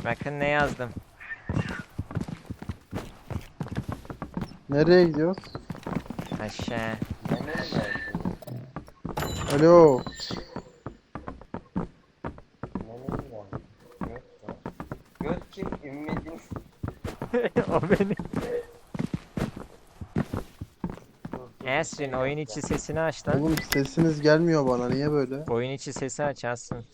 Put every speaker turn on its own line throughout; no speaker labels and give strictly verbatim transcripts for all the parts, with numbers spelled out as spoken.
Bakın ne yazdım.
Nereye gidiyoruz?
Aşağı.
Alo.
Göt kim? Ümmetin.
O benim. Esrin oyun içi sesini aç lan.
Oğlum sesiniz gelmiyor bana. Niye böyle?
Oyun içi sesi aç Asrın.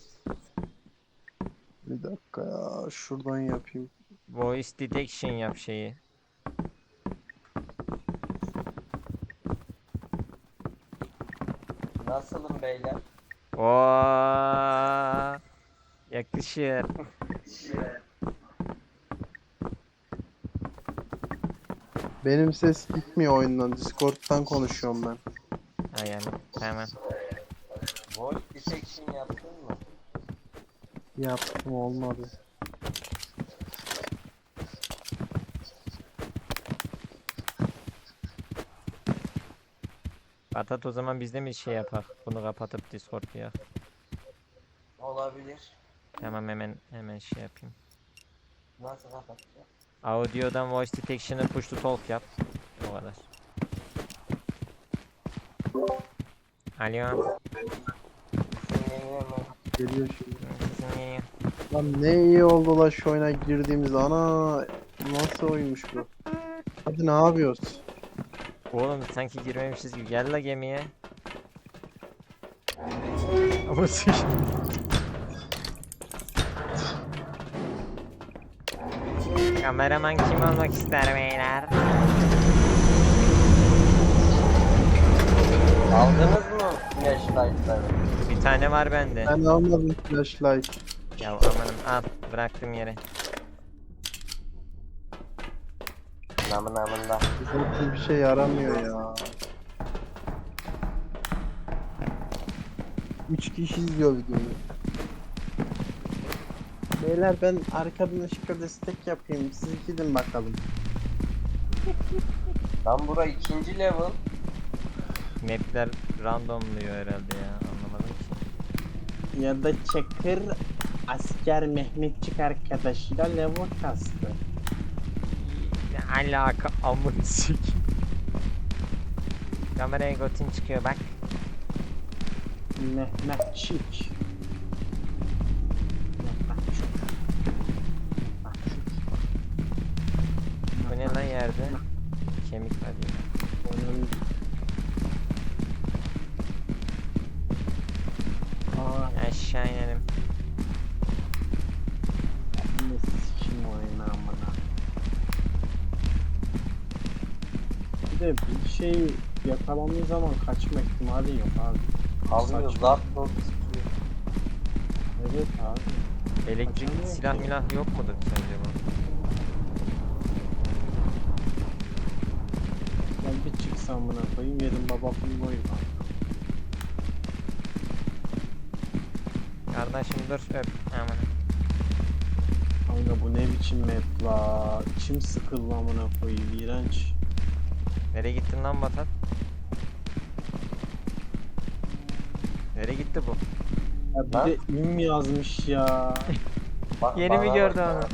Bir dakika ya. Şuradan yapayım.
Voice detection yap şeyi.
Nasılım beyler?
Oo, yakışır.
Benim ses gitmiyor oyundan. Discord'dan konuşuyorum ben.
Ha yani tamam.
Voice detection yaptın mı?
Yaptım olmadı.
Patat o zaman biz de mi şey yapak? Bunu kapatıp Discord ya.
Olabilir.
Tamam hemen hemen şey yapayım.
Nasıl kapatacağım?
Audio'dan voice detection'ı push to talk yap. O kadar. Alo.
Sinirleniyor mu?
Geliyor şimdi.
Sesin geliyor.
Lan ne iyi oldu la şu oyuna girdiğimiz. Ana nasıl oyunmuş bu? Hadi ne yapıyoruz?
Oğlum sanki girmemişiz gibi. Gel la gemiye. Ama sık. Kameraman kim olmak ister beyler?
Aldınız mı flashlight'ları?
Bir tane var bende.
Ben almadım flashlight.
Ya amanım al bıraktım yere.
Namı namında.
Zaten bir şey yaramıyor ya. Üç kişi izliyor videoyu. Beyler ben arkadan ışıkla destek yapayım. Siz gidin bakalım.
Lan bura ikinci level.
Map'ler randomluyor herhalde ya anlamadım ki.
Ya da Çakır asker Mehmetçik arkadaşıyla level kastı.
Ne alaka amın sik. Kameraya gotin çıkıyor bak.
Mehmetçik.
Bu ne lan yerde? Kemik var ya.
Onun... Aa,
Aşağı inelim.
ne sikim oyunu amına. Bir de bir şey yakalandığı zaman kaçma ihtimali yok abi.
Alıyor
Saçma.
zart zor sıkıyor.
Evet abi.
Elektrik
Kaçamıyor
silah
ki.
milah yok mudur sence bu?
Ben bir çıksam amına koyayım yedim baba film oyun abi.
Kardeşim dur öp. Aman.
Kanka bu ne biçim map la. İçim sıkıldı amına koyayım iğrenç.
Nereye gittin lan Batat? Nereye gitti bu?
Ya bir
Lan?
de üm yazmış ya.
Bak,
Yeni mi
bana
gördü
bak
onu?
ya.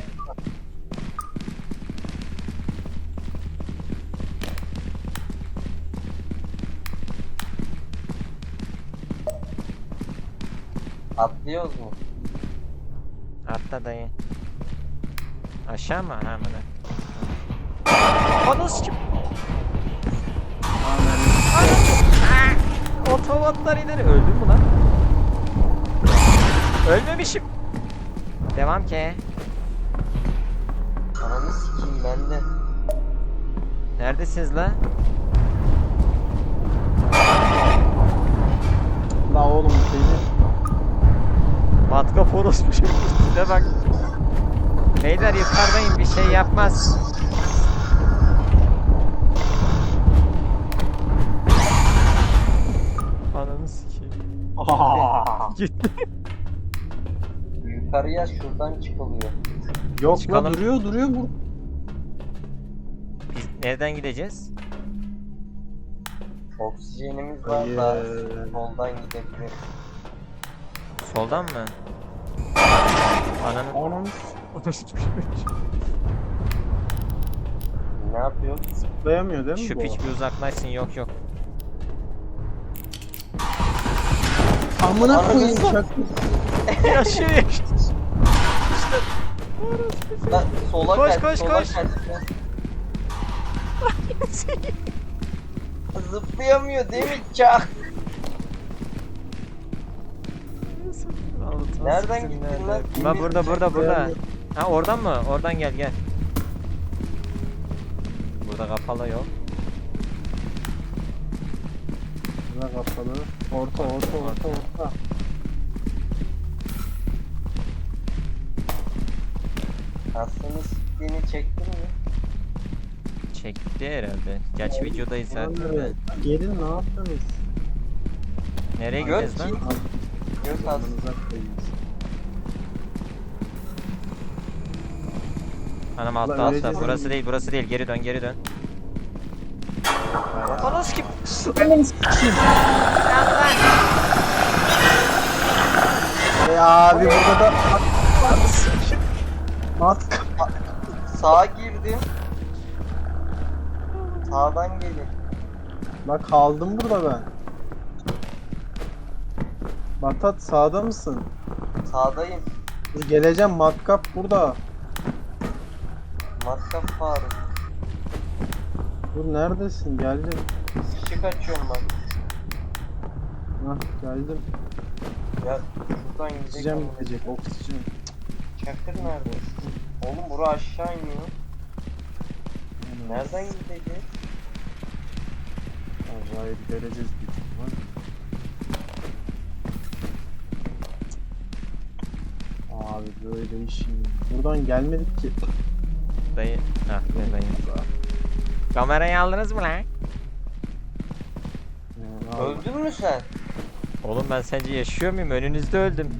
Atlıyoruz mu?
Atla dayı. Aşağı mı? Ha mı? Anası kim? Otomatlar ileri. Öldün mü lan? Ölmemişim. Devam ki.
Ananı sikeyim ben de.
Neredesiniz la?
La oğlum seni.
Matkap orospu şey. Size bak. Beyler yukarıdayım bir şey yapmaz. Ananı sikeyim. Gitti.
Yukarıya şuradan çıkılıyor.
Yok
Çıkalım.
la duruyor duruyor bu.
Biz nereden gideceğiz?
Oksijenimiz var da
Hayır.
soldan gidebiliriz.
Soldan mı? Ananı
Onun
Ne yapıyor?
Zıplayamıyor değil mi
Şu
bu?
piç bir uzaklaşsın, yok yok.
Amına koyayım çak.
Yaşıyor yaşıyor.
Lan sola
Koş,
kaç,
koş,
sola
koş.
kaç. Zıplayamıyor değil mi Çak? Nereden gittin lan?
Lan burada burada burada. Ha oradan mı? Oradan gel gel. Burada kapalı yok.
Buna kapalı. Orta orta orta orta.
Aslında siktiğini çektin mi?
Çekti herhalde. Gerçi videodayız zaten. de.
Gelin ne yaptınız?
Nereye
Gör
gideceğiz lan?
ki. Göz az.
Amanıza koyayım.
Anam
Ulan
altta altta.
öleceğiz
Burası
ama.
değil burası değil. Geri dön geri dön. Anam kim?
E abi burada da mat
Sağa girdim. Sağdan gelin.
Bak kaldım burada ben. Batat sağda mısın?
Sağdayım.
Dur geleceğim matkap burada.
Matkap Faruk.
Dur neredesin? Geldim.
Işık açıyorum bak.
Hah geldim.
Ya şuradan gidecek
Oksijen
ama.
bitecek oksijen.
Çakır nerede? Oğlum bura aşağı iniyor. Nereden gideceğiz?
Vallahi göreceğiz bir ihtimal. Abi böyle işin. Buradan gelmedik ki.
Dayı. Hah ne dayı. Kamerayı aldınız mı lan?
Yani abi,
Öldün mü sen?
Oğlum ben sence yaşıyor muyum? Önünüzde öldüm.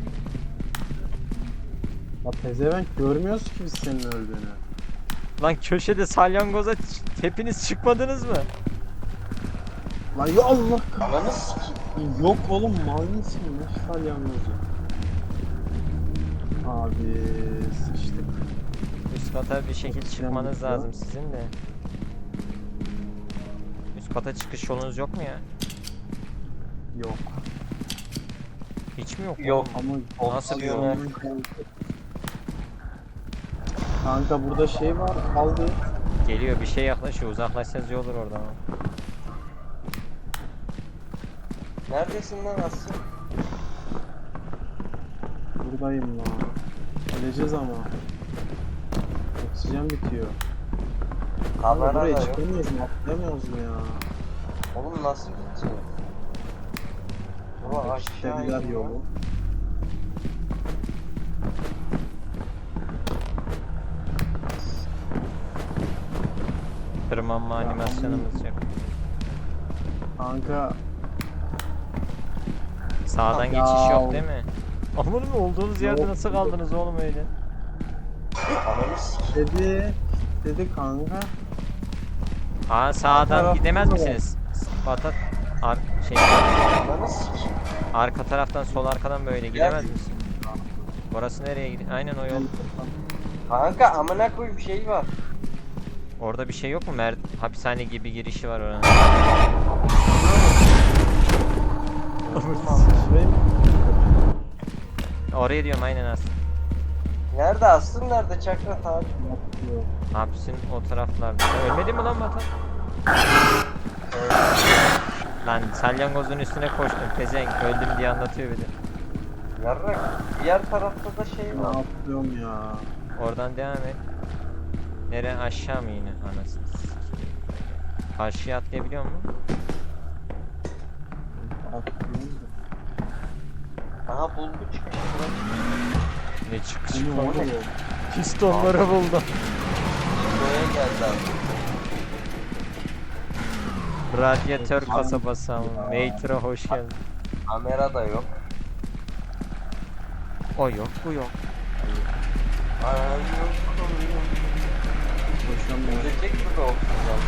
ya pezevenk görmüyoruz ki biz senin öldüğünü.
Lan köşede salyangoza ç- hepiniz çıkmadınız mı?
Lan ya Allah
Ananı sikeyim.
yok oğlum mal mısın? Ne salyangozu? Abi sıçtık.
Üst kata bir şekil
Oksijen
çıkmanız
bitti
lazım
lan.
sizin de. Üst kata çıkış yolunuz yok mu ya?
Yok.
Hiç mi yok?
Yok.
oğlum?
Ama
Nasıl bir
Opsiyonu-
yol?
Kanka burada şey var kaldı.
Geliyor bir şey yaklaşıyor. Uzaklaşsanız iyi olur oradan.
Neredesin lan Aslı?
Buradayım lan. Öleceğiz ama. Oksijen bitiyor. Ama
Kamera da
buraya
yok.
çıkamıyoruz mu? Atlayamıyoruz mu ya?
Oğlum nasıl gideceğiz? Bura aşağı
Kilitlediler
iniyor.
yolu.
Tırmanma animasyonumuz yok.
Kanka
Sağdan
Ya.
geçiş yok değil mi? Aman mı olduğunuz yerde
Yok.
nasıl kaldınız oğlum öyle?
Ananı sikeyim.
dedi. Dedi kanka.
Aa sağdan
tarafta
gidemez
da var.
misiniz? Batat ar şey
Ananı sikeyim.
arka taraftan sol arkadan böyle gidemez misin? Orası nereye gidiyor? Aynen o yol.
Kanka amına koyayım şey var.
Orada bir şey yok mu? Mer hapishane gibi girişi var oranın.
Şurayı mı?
Oraya diyorum aynen aslında.
Nerede Aslı nerede Çakra abi?
Yok.
Hapisin o taraflarda. Sen ölmedin mi lan Batat? Lan salyangozun üstüne koştum pezevenk öldüm diye anlatıyor bir de.
Yarrak. Diğer tarafta da şey
Ne
var.
yapıyorum ya?
Oradan devam et. Nere aşağı mı yine anasını sikeyim. Karşıya atlayabiliyor musun?
Atlıyorum da.
Aha bulgu çıkmış.
Ne çıkış
Bu ne oğlum?
Pistonları buldum.
Buraya geldi abi.
Radyatör kasabası ama. Mater'a hoş geldin.
Kamera da yok.
O yok bu yok.
Ay yok.
Koşamıyorum.
Ölecek mi de oksijen?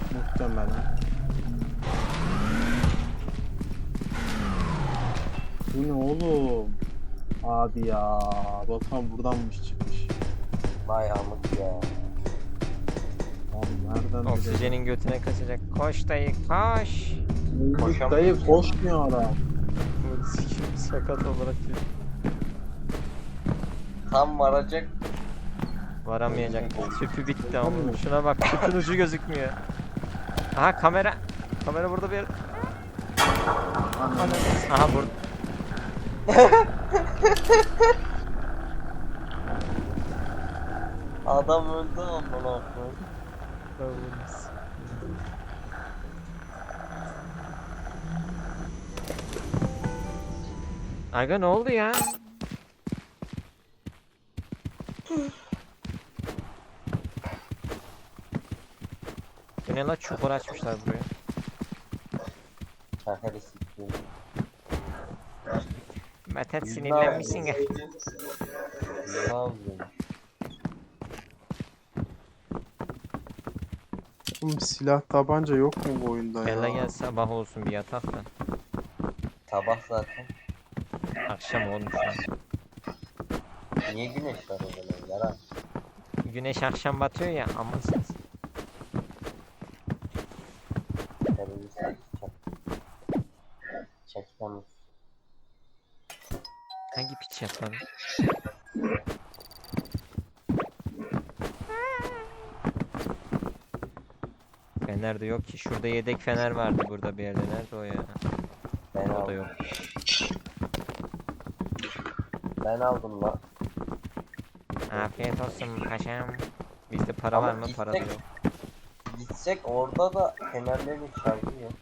Muhtemelen. Bu ne oğlum? Abi ya. Batuhan buradanmış çıkmış.
Vay amık ya.
Abi nereden
Oksijenin götüne kaçacak. Koş dayı koş.
bilelim?
Koşamıyor.
Dayı koşmuyor adam.
Sikim sakat olarak diyor.
Tam varacak.
Varamayacak. Tüpü bitti ama.
Tamam mı?
Şuna bak tüpün ucu gözükmüyor. Aha kamera. Kamera burada bir yer. Aha burada.
Adam öldü amına koyayım.
Aga ne oldu ya? Bu ne la, çukur açmışlar buraya.
Şakayı sikeyim.
Metet sinirlenmişsin ya.
Ne yapıyorsun?
Oğlum silah tabanca yok mu bu oyunda
Bella
ya?
gel sabah olsun bir yatak da.
Sabah zaten.
Akşam olmuş ya.
Niye güneş var o zaman yalan?
Güneş akşam batıyor ya, amansız.
Terörist çek. Çekmemiz.
Hangi piç yapar? Fener de yok ki. Şurada yedek fener vardı burada bir yerde. Nerede o ya?
Ben
O da
aldım.
yok.
Ben aldım lan.
Afiyet olsun paşam. Bizde para
Ama
var mı? Para da
gitsek-
yok.
Gitsek orada da fenerlerin şarjı yok.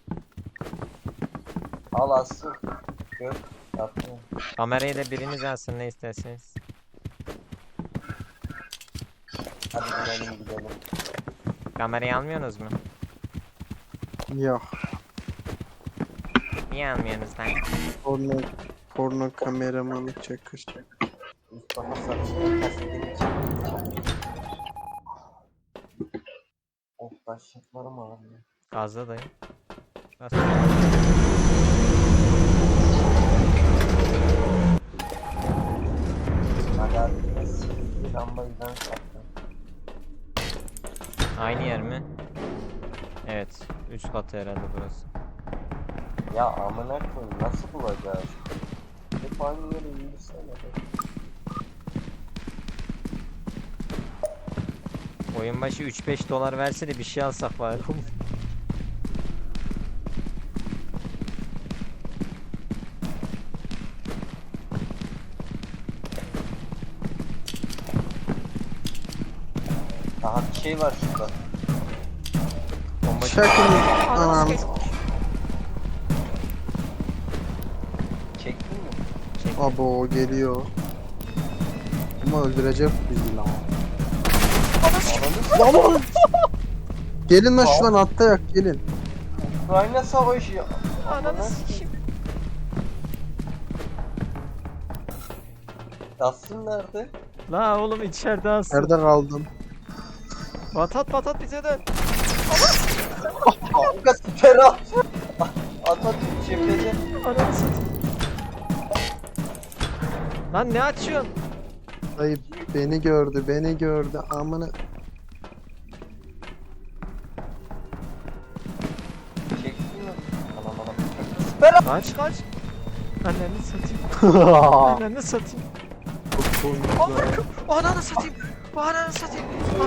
Al asıl. Gör. Yaptım.
Kamerayı da biriniz alsın, ne isterseniz.
Hadi gidelim gidelim.
Kamerayı almıyorsunuz mu?
Yok.
Niye almıyorsunuz lan?
Porno, porno kameramanı çakır.
Mustafa saçını kasetini çekti. Of taşlıklarım ağrıyor.
Gazla dayı. Bas.
Hadi hadi. Bir lambayı ben sattım.
Aynı yer mi? Evet. Üst katı herhalde burası.
Ya amına koyayım nasıl bulacağız? Hep aynı yere yürüsene.
Oyun başı üç beş dolar verse de bir şey alsak bari.
Daha bir şey var şurada.
Bomba
Çakın. Anam.
Çektin mi?
Abo geliyor. Ama öldürecek bizi lan.
Ananı
Lan gelin lan şuradan atlayak gelin.
Ukrayna savaşı ya.
Ananı sikeyim.
Yassın nerede?
La oğlum içeride alsın.
Nerede kaldın?
Batat batat bize dön.
Kanka siper at. Atatürk cephede.
Ananı satayım. Lan ne açıyorsun?
Dayı beni gördü beni gördü amına.
Çektin mi? Anam anam. Siper at.
Kaç kaç. Anneni satayım. Anneni satayım. Ananı satayım. Ananı satayım.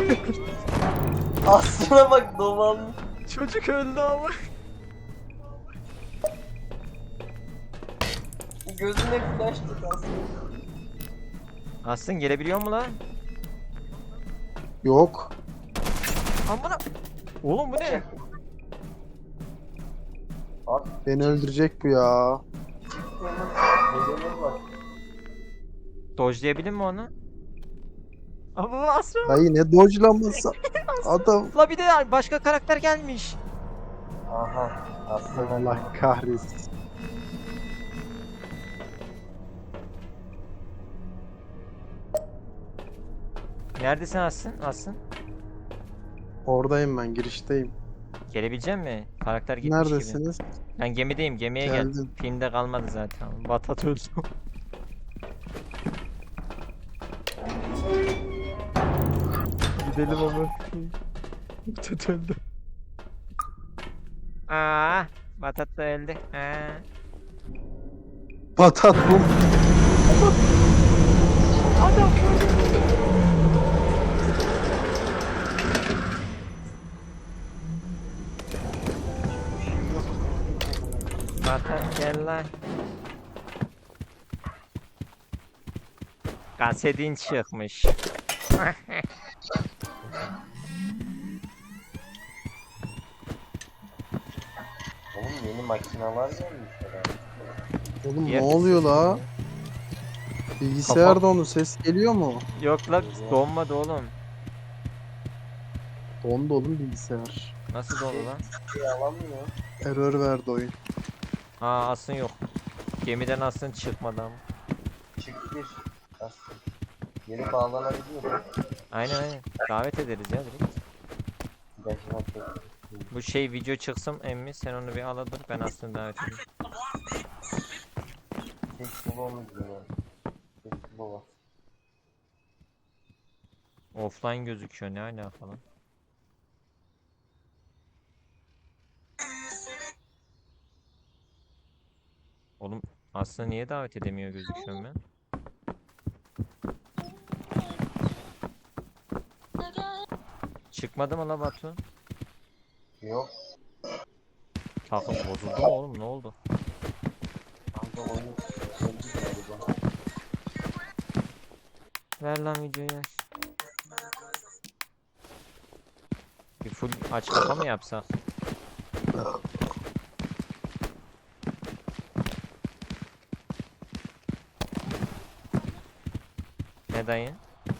Aslına bak dolanmış.
Çocuk öldü ama.
Gözüne flash tut aslında.
Aslın gelebiliyor mu lan?
Yok.
Amına. Oğlum bu ne?
Abi
Beni öldürecek bu ya.
nedenleri var.
Dojlayabilir mi onu? Ama bu Asra.
Dayı ne dodge'laması. Adam.
La bir de başka karakter gelmiş.
Aha. Aslında
Allah kahretsin.
Neredesin Asın? Asın?
Oradayım ben girişteyim.
Gelebilecek mi? Karakter gitmiş gibi.
Neredesiniz?
Ben gemideyim, gemiye gel.
Geldim.
Filmde kalmadı zaten. Batat öldü. Gidelim ama. Batat öldü. Aa, Batat da öldü. Aa.
Patat bu.
Batat gel lan. Kasetin çıkmış.
Oğlum yeni makineler gelmiş herhalde.
Oğlum
Yer
ne oluyor
sesi
la?
geliyor.
Bilgisayar
Kafa-
dondu. Ses geliyor mu?
Yok lan donmadı oğlum.
Dondu oğlum bilgisayar.
Nasıl dondu lan?
Bir alamıyor.
Error verdi oyun.
Aa asın yok. Gemiden asın çıkmadı ama.
Çık bir. Aslında. Geri bağlanabiliyor.
Aynen aynen. Davet ederiz ya direkt.
Yaşına tek.
Bu şey video çıksın emmi sen onu bir ala dur ben aslında davet edeyim.
Tek bulamadı yine. Tek bulamadı.
Offline gözüküyor ne alaka lan? Oğlum aslında niye davet edemiyor gözüküyorum ben? Çıkmadı mı la Batu?
Yok.
Takım bozuldu mu oğlum ne oldu?
Kanka oyun öldü galiba.
Ver lan videoyu. Bir full aç kapa mı yapsak? Ne dayı?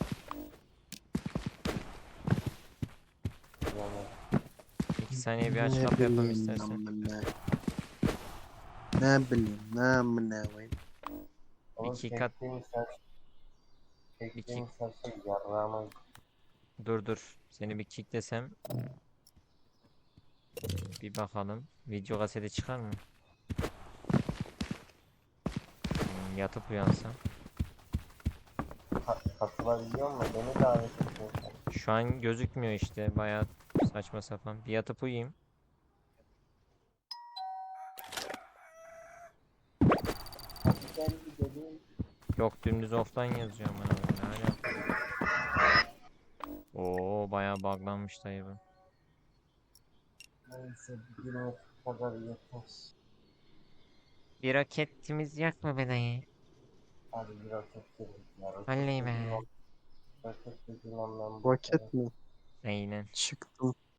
Yani
İki saniye bir aç
Ne
kapa yapalım
bileyim
istersen.
amına. Ne bileyim ne amına koyayım.
oğlum
İki kat-
çektiğim ses çektiğim sesi yarrağıma
Dur dur. Seni bir kicklesem. Bir bakalım. Video kaseti çıkar mı? Hmm, yatıp uyansam.
ka- katılabiliyor mu? Beni davet ediyorsun.
Şu an gözükmüyor işte. Bayağı saçma sapan. Bir yatıp uyuyayım.
Hadi gel gidelim.
Yok dümdüz offline yazıyor bana. Ne alaka? Oo bayağı buglanmış dayı bu.
Neyse bugüne kadar yeter.
Bir roketimiz yok mu be dayı?
Hadi bir roket girdik ya. Roket
Vallahi be.
dediğin an- Roket dediğin anlamda.
Roket mi?
Aynen.
Çıktım.